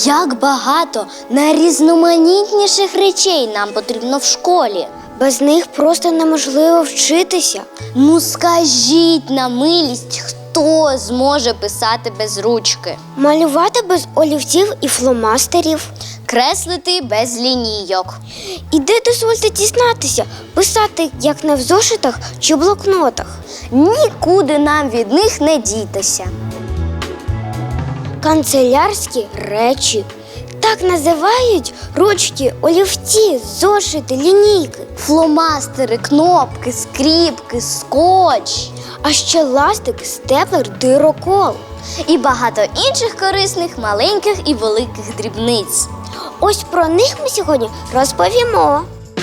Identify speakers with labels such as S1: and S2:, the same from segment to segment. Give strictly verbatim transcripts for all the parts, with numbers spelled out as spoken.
S1: Як багато найрізноманітніших речей нам потрібно в школі.
S2: Без них просто неможливо вчитися.
S1: Ну скажіть на милість, хто зможе писати без ручки?
S2: Малювати без олівців і фломастерів.
S1: Креслити без лінійок.
S2: І де, дозвольте дізнатися, писати як не в зошитах чи блокнотах.
S1: Нікуди нам від них не дітися.
S2: Канцелярські речі. Так називають ручки, олівці, зошити, лінійки.
S1: Фломастери, кнопки, скріпки, скотч.
S2: А ще ластик, степлер, дирокол.
S1: І багато інших корисних маленьких і великих дрібниць.
S2: Ось про них ми сьогодні розповімо.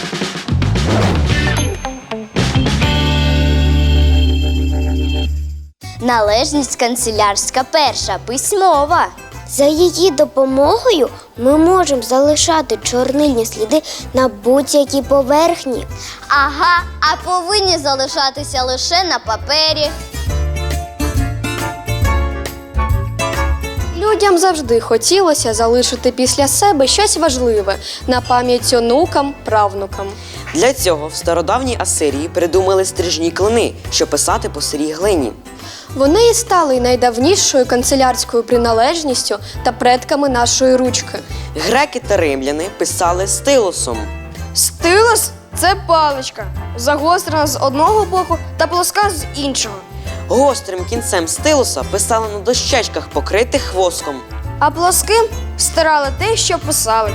S1: Належність канцелярська перша, письмова.
S2: За її допомогою ми можемо залишати чорнильні сліди на будь-якій поверхні.
S1: Ага, а повинні залишатися лише на папері.
S3: Людям завжди хотілося залишити після себе щось важливе на пам'ять онукам, правнукам.
S4: Для цього в стародавній Асирії придумали стрижні клини, щоб писати по сирій глині.
S3: Вони і стали найдавнішою канцелярською приналежністю та предками нашої ручки.
S4: Греки та римляни писали стилусом.
S5: Стилус – це паличка, загострена з одного боку та плоска з іншого.
S4: Гострим кінцем стилуса писали на дощечках, покритих воском.
S5: А плоским стирали те, що писали.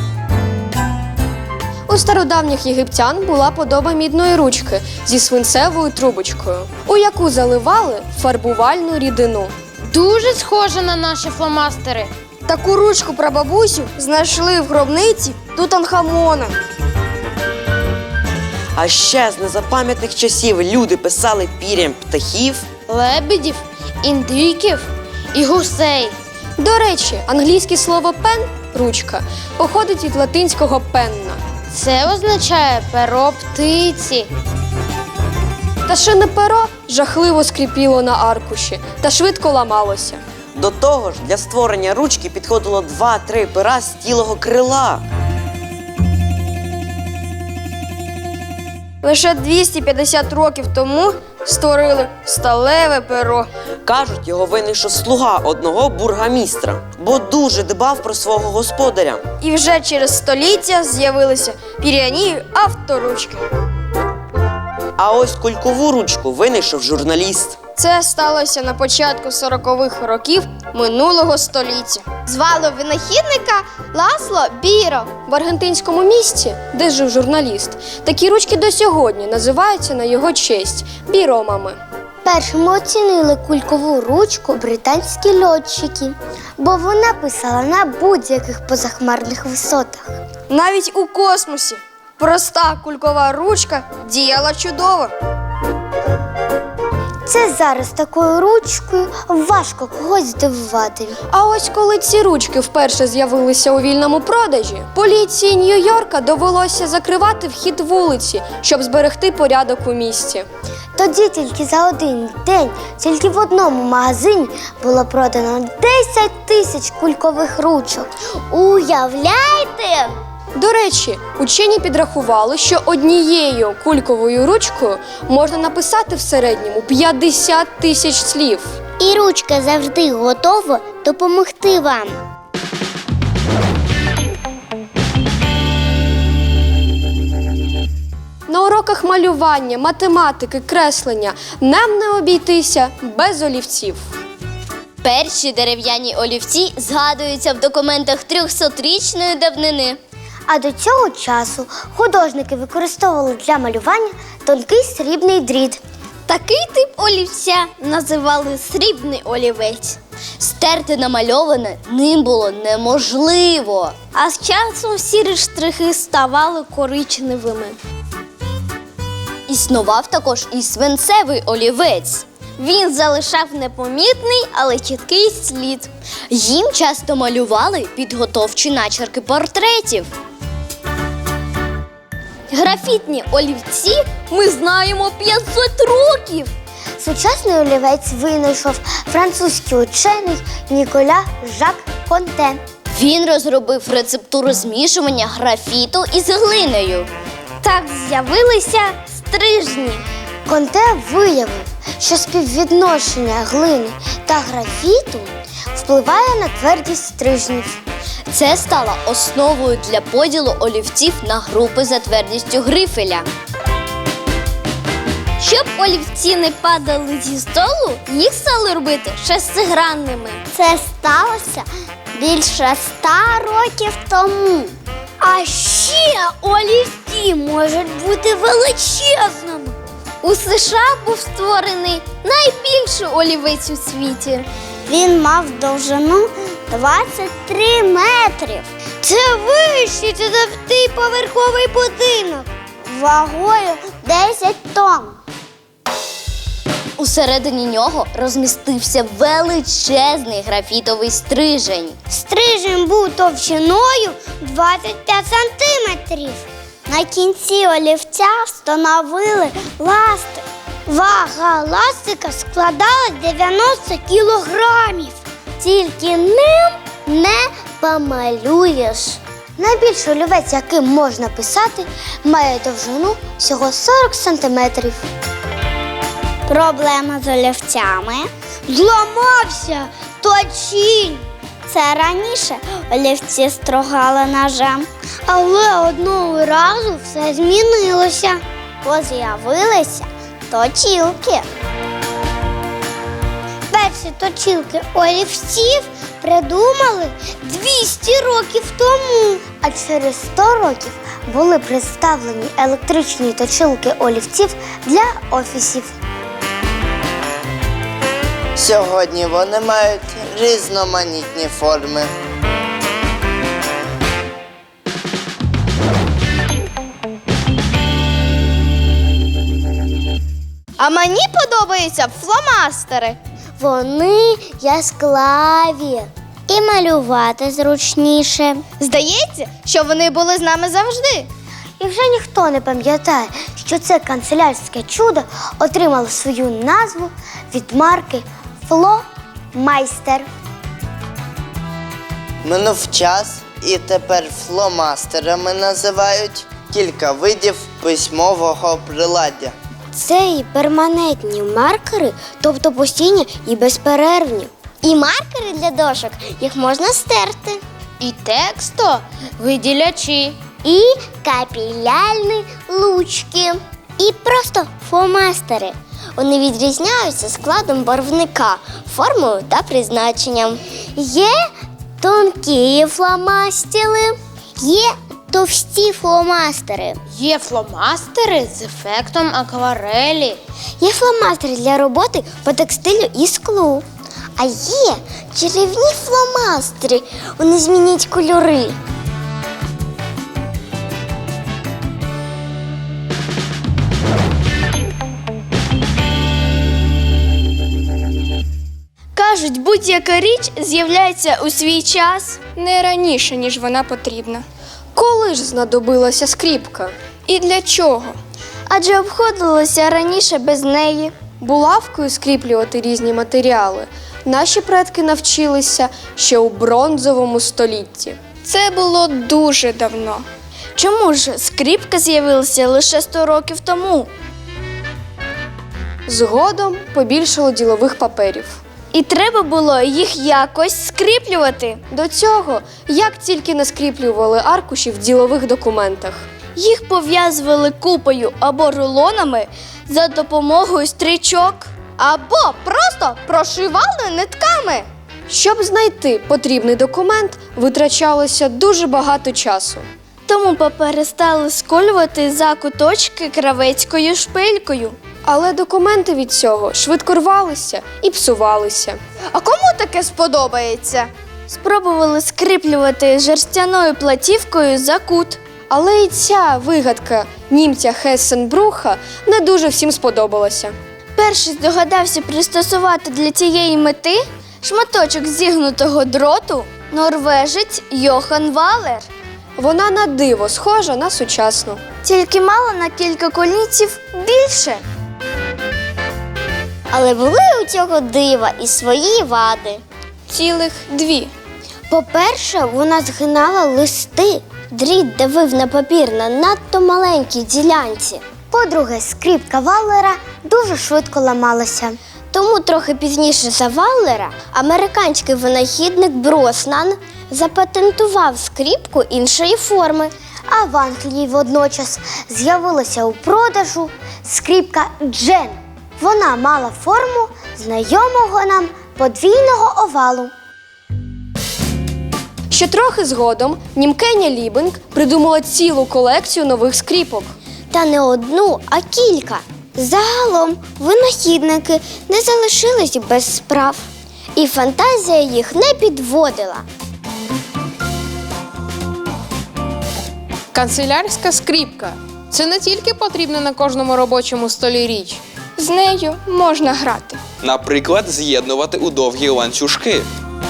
S3: У стародавніх єгиптян була подоба мідної ручки зі свинцевою трубочкою, у яку заливали фарбувальну рідину.
S5: Дуже схоже на наші фломастери. Таку ручку прабабусю знайшли в гробниці Тутанхамона.
S4: А ще з незапам'ятних часів люди писали пір'ям птахів,
S5: Лебедів, індиків і гусей.
S3: До речі, англійське слово «пен» – ручка походить від латинського «пенна».
S5: Це означає перо птиці.
S3: Та шине перо жахливо скріпіло на аркуші та швидко ламалося.
S4: До того ж, для створення ручки підходило два-три пера з цілого крила.
S5: Лише двісті п'ятдесят років тому створили сталеве перо.
S4: Кажуть, його винайшов слуга одного бургомістра, бо дуже дбав про свого господаря.
S5: І вже через століття з'явилися пір'яні авторучки.
S4: А ось кулькову ручку винайшов журналіст.
S5: Це сталося на початку сорокових років минулого століття. Звали винахідника Ласло Біро.
S3: В аргентинському місті, де жив журналіст, такі ручки до сьогодні називаються на його честь – біромами.
S2: Першими оцінили кулькову ручку британські льотчики, бо вона писала на будь-яких позахмарних висотах.
S5: Навіть у космосі проста кулькова ручка діяла чудово.
S2: Це зараз такою ручкою важко когось здивувати.
S3: А ось коли ці ручки вперше з'явилися у вільному продажі, поліції Нью-Йорка довелося закривати вхід вулиці, щоб зберегти порядок у місті.
S2: Тоді тільки за один день, тільки в одному магазині було продано десять тисяч кулькових ручок. Уявляєте?
S3: До речі, учені підрахували, що однією кульковою ручкою можна написати в середньому п'ятдесят тисяч слів.
S2: І ручка завжди готова допомогти вам.
S3: На уроках малювання, математики, креслення нам не обійтися без олівців.
S1: Перші дерев'яні олівці згадуються в документах трьохсотрічної давнини.
S2: А до цього часу художники використовували для малювання тонкий срібний дріт.
S1: Такий тип олівця називали срібний олівець. Стерти намальоване ним було неможливо, а з часом сірі штрихи ставали коричневими. Існував також і свинцевий олівець. Він залишав непомітний, але чіткий слід. Їм часто малювали підготовчі начерки портретів. Графітні олівці ми знаємо п'ятсот років.
S2: Сучасний олівець винайшов французький учений Ніколя Жак Конте.
S1: Він розробив рецептуру змішування графіту із глинею. Так з'явилися стрижні.
S2: Конте виявив, що співвідношення глини та графіту впливає на твердість стрижнів.
S1: Це стало основою для поділу олівців на групи за твердістю грифеля. Щоб олівці не падали зі столу, їх стали робити шестигранними.
S2: Це сталося більше ста років тому.
S1: А ще олівці можуть бути величезними. У США був створений найбільший олівець у світі.
S2: Він мав довжину двадцять три метрів. Це вищий за дев'ятиповерховий будинок вагою десять тонн.
S1: Усередині нього розмістився величезний графітовий стрижень.
S2: Стрижень був товщиною двадцять п'ять сантиметрів. На кінці олівця встановили ластик. Вага ластика складала дев'яносто кілограмів. Тільки ним не помалюєш. Найбільший олівець, яким можна писати, має довжину всього сорок сантиметрів. Проблема з олівцями. Зламався точінь. Це раніше олівці стругали ножем. Але одного разу все змінилося. Бо з'явилися точілки. Перші точілки олівців придумали двісті років тому. А через сто років були представлені електричні точилки олівців для офісів.
S6: Сьогодні вони мають різноманітні форми.
S5: А мені подобаються фломастери.
S2: Вони яскраві і малювати зручніше.
S5: Здається, що вони були з нами завжди.
S2: І вже ніхто не пам'ятає, що це канцелярське чудо отримало свою назву від марки Фломайстер.
S6: Минув час, і тепер фломастерами називають кілька видів письмового приладдя.
S2: Це і перманентні маркери, тобто постійні і безперервні. І маркери для дошок, їх можна стерти.
S1: І тексто виділячі.
S2: І капілярні лучки. І просто фломастери. Вони відрізняються складом барвника, формою та призначенням. Є тонкі фломастери, є товсті фломастери.
S1: Є фломастери з ефектом акварелі.
S2: Є фломастери для роботи по текстилю і склу. А є чарівні фломастери. Вони змінюють кольори.
S5: Кажуть, будь-яка річ з'являється у свій час.
S3: Не раніше, ніж вона потрібна. Коли ж знадобилася скріпка? І для чого?
S5: Адже обходилося раніше без неї.
S3: Булавкою скріплювати різні матеріали наші предки навчилися ще у бронзовому столітті. Це було дуже давно.
S5: Чому ж скріпка з'явилася лише сто років тому?
S3: Згодом побільшало ділових паперів.
S5: І треба було їх якось скріплювати.
S3: До цього, як тільки не скріплювали аркуші в ділових документах.
S5: Їх пов'язували купою або рулонами за допомогою стрічок, або просто прошивали нитками.
S3: Щоб знайти потрібний документ, витрачалося дуже багато часу.
S5: Тому папери стали сколювати за куточки кравецькою шпилькою.
S3: Але документи від цього швидко рвалися і псувалися.
S5: А кому таке сподобається? Спробували скріплювати жерстяною платівкою за кут.
S3: Але і ця вигадка німця Хессенбруха не дуже всім сподобалася.
S5: Перший здогадався пристосувати для цієї мети шматочок зігнутого дроту норвежець Йохан Валер.
S3: Вона на диво схожа на сучасну.
S5: Тільки мала на кілька колінців більше.
S2: Але були у цього дива і свої вади.
S3: Цілих дві.
S2: По-перше, вона згинала листи.
S1: Дріт давив на папір на надто маленькій ділянці.
S2: По-друге, скріпка Валлера дуже швидко ламалася.
S1: Тому трохи пізніше за Валлера американський винахідник Броснан запатентував скріпку іншої форми.
S2: А в Англії водночас з'явилася у продажу скріпка Джен. Вона мала форму знайомого нам подвійного овалу.
S3: Ще трохи згодом Німкеня Лібінг придумала цілу колекцію нових скріпок.
S1: Та не одну, а кілька. Загалом винахідники не залишились без справ. І фантазія їх не підводила.
S7: Канцелярська скріпка – це не тільки потрібна на кожному робочому столі річ.
S3: З нею можна грати.
S8: Наприклад, з'єднувати у довгі ланцюжки.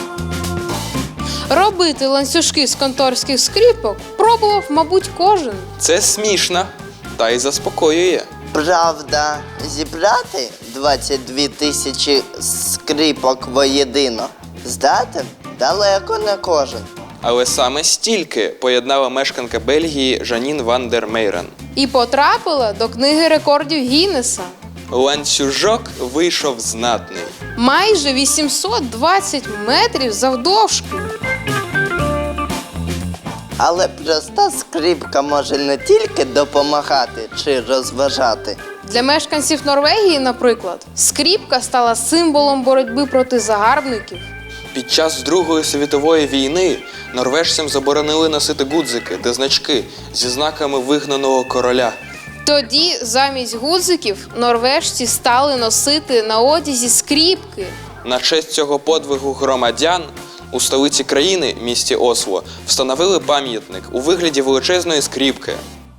S7: Робити ланцюжки з конторських скріпок пробував, мабуть, кожен.
S8: Це смішно, та й заспокоює.
S6: Правда, зібрати двадцять дві тисячі скріпок воєдино здатен далеко не кожен.
S8: Але саме стільки поєднала мешканка Бельгії Жанін ван дер Мейрен.
S7: І потрапила до книги рекордів Гіннеса.
S8: Ланцюжок вийшов знатний.
S7: Майже вісімсот двадцять метрів завдовжки.
S6: Але проста скріпка може не тільки допомагати чи розважати.
S7: Для мешканців Норвегії, наприклад, скріпка стала символом боротьби проти загарбників.
S8: Під час Другої світової війни норвежцям заборонили носити гудзики та значки зі знаками вигнаного короля.
S7: Тоді замість гудзиків норвежці стали носити на одязі скріпки.
S8: На честь цього подвигу громадян у столиці країни, місті Осло, встановили пам'ятник у вигляді величезної скріпки.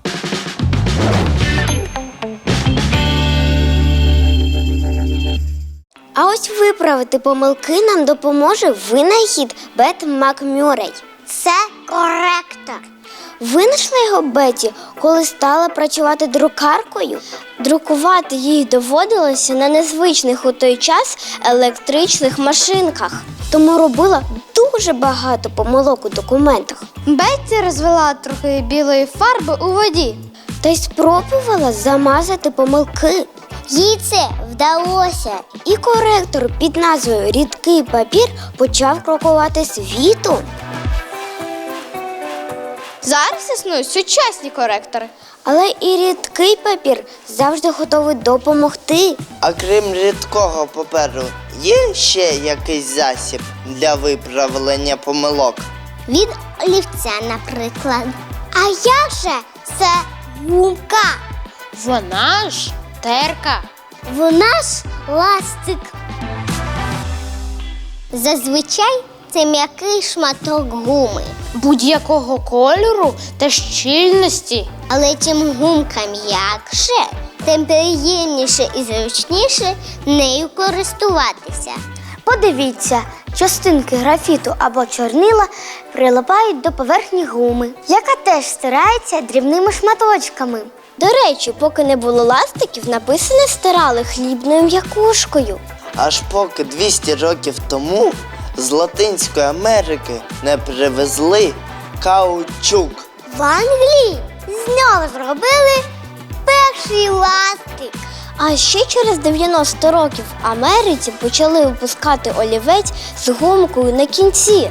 S1: А ось виправити помилки нам допоможе винахід Бет Макмюррей.
S2: Це коректор.
S1: Винайшла його Беті, коли стала працювати друкаркою. Друкувати їй доводилося на незвичних у той час електричних машинках. Тому робила дуже багато помилок у документах.
S2: Бетті розвела трохи білої фарби у воді.
S1: Та й спробувала замазати помилки.
S2: Їй це вдалося.
S1: І коректор під назвою «Рідкий папір» почав крокувати світом.
S5: Зараз існують сучасні коректори.
S1: Але і рідкий папір завжди готовий допомогти.
S6: А крім рідкого паперу, є ще якийсь засіб для виправлення помилок?
S2: Від олівця, наприклад. А як же це гумка?
S5: Вона ж терка.
S2: Вона ж ластик. Зазвичай це м'який шматок гуми.
S5: Будь-якого кольору та щільності.
S2: Але чим гумка м'якше, тим приємніше і зручніше нею користуватися.
S1: Подивіться, частинки графіту або чорнила прилипають до поверхні гуми,
S2: Яка теж стирається дрібними шматочками.
S1: До речі, поки не було ластиків, написане стирали хлібною м'якушкою.
S6: Аж поки двісті років тому з Латинської Америки не привезли каучук.
S2: В Англії з нього зробили перший ластик.
S1: А ще через дев'яносто років в Америці почали випускати олівець з гумкою на кінці.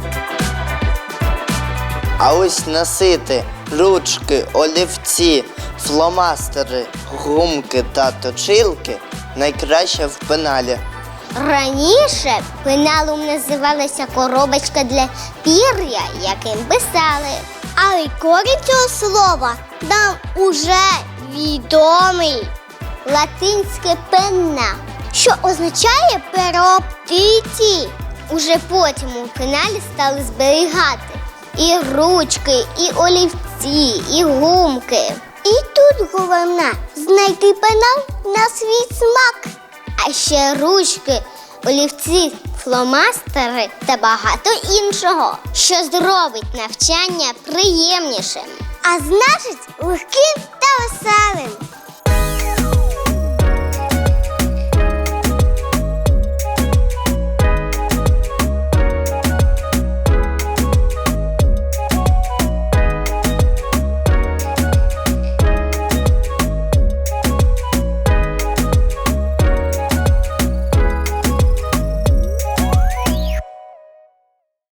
S6: А ось носити ручки, олівці, фломастери, гумки та точилки найкраще в пеналі.
S2: Раніше пеналом називалася коробочка для пір'я, яким писали. Але корінь цього слова нам уже відомий. Латинське пенна, що означає перо птиці. Уже потім у пеналі стали зберігати і ручки, і олівці, і гумки. І тут головне знайти пенал на свій смак. А ще ручки, олівці, фломастери та багато іншого, що зробить навчання приємнішим. А значить, легким та веселим.